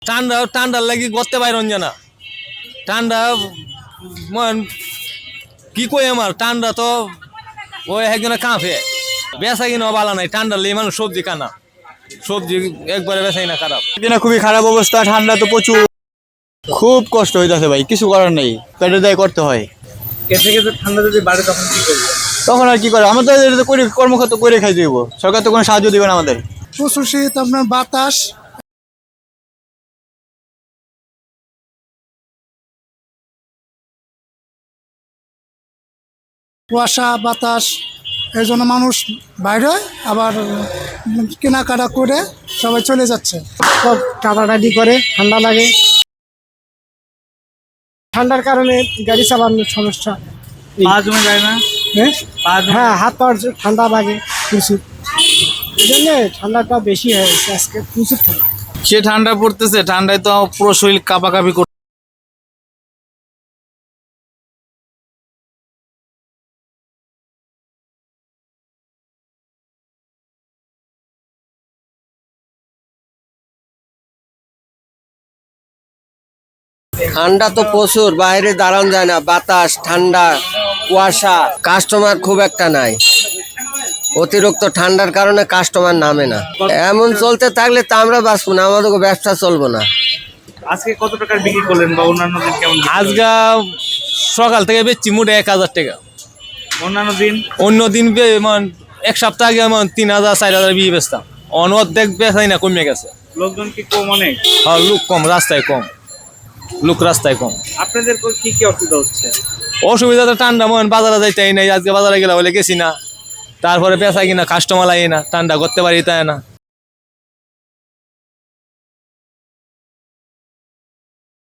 ঠান্ডার লাগি করতে পারন না ঠান্ডা মন কি কই আমার ঠান্ডা তো ওই একজনে কাঁপে বেচা কিনা ভালো নাই ঠান্ডার লেগে মানুষ সবজি কানা সবজি একবারে বেচাই না খারাপ দিনে খুবই খারাপ অবস্থা, ঠান্ডা তো প্রচুর, খুব কষ্ট হইতাছে ভাই, কিছু করার নেই, পেটে দায় করতে হয়। কেটে কেটে ঠান্ডা যদি বাড়ে তখন কি করবে? তখন আর কি করে, আমরা তো এটা তো করে কর্মক্ষেত্র করে খাই দিব, সরকার তো কোনো সাহায্য দিবে না আমাদের। প্রচুর শীত, আপনার বাতাস, কুয়াশা, বাতাস, এই জন্য মানুষ বাইরে হয়, আবার কেনাকাটা করে সবাই চলে যাচ্ছে। সব টাটাটাটি করে, ঠান্ডা লাগে, ঠান্ডার কারণে গাড়ি চালানোর সমস্যা। পা জমে যায় না? হ্যাঁ পা জমে হ্যাঁ, হাত পাওয়ার ঠান্ডা লাগে প্রচুর, এই জন্যে ঠান্ডাটা বেশি হয়েছে আজকে, প্রচুর ঠান্ডা। সে ঠান্ডা পড়তেছে, ঠান্ডায় তো পুরো শরীর কাঁপাকাঁপি করছে। ঠান্ডা তো প্রচুর, বাইরে দাঁড়ানো যায় না, বাতাস, ঠান্ডা, কুয়াশা, কাস্টমার খুব একটা নাই। অতিরিক্ত ঠান্ডার কারণে কাস্টমার নামে না। এমন চলতে থাকলে তো আমরা বাঁচবো না, আমাদের ব্যবসা চলবো না। আজকে কত টাকার বিক্রি করলেন বা অন্যান্য দিন কেমন বিক্রি আজকে সকাল থেকে বেচছি মোটে 1000 টাকা। করলেন? অন্যান্য দিন অন্য দিন এক সপ্তাহ আগে 3000 4000 বিয়ে বেচতাম অর্ধেক বেচাই না, কমে গেছে। লোকজন কি কম অনেক? হ্যাঁ, লোক কম, রাস্তায় কম, লোক রাস্তায় কম। আপনাদের কি কি অসুবিধা হচ্ছে? অসুবিধা তো ঠান্ডা বাজারে যাইতেই নাই, আজকে বাজারে গেলে বলে গেছি না, তারপরে বেচা কিনা কাস্টমার লাগে না, ঠান্ডা করতে পারি তাই না।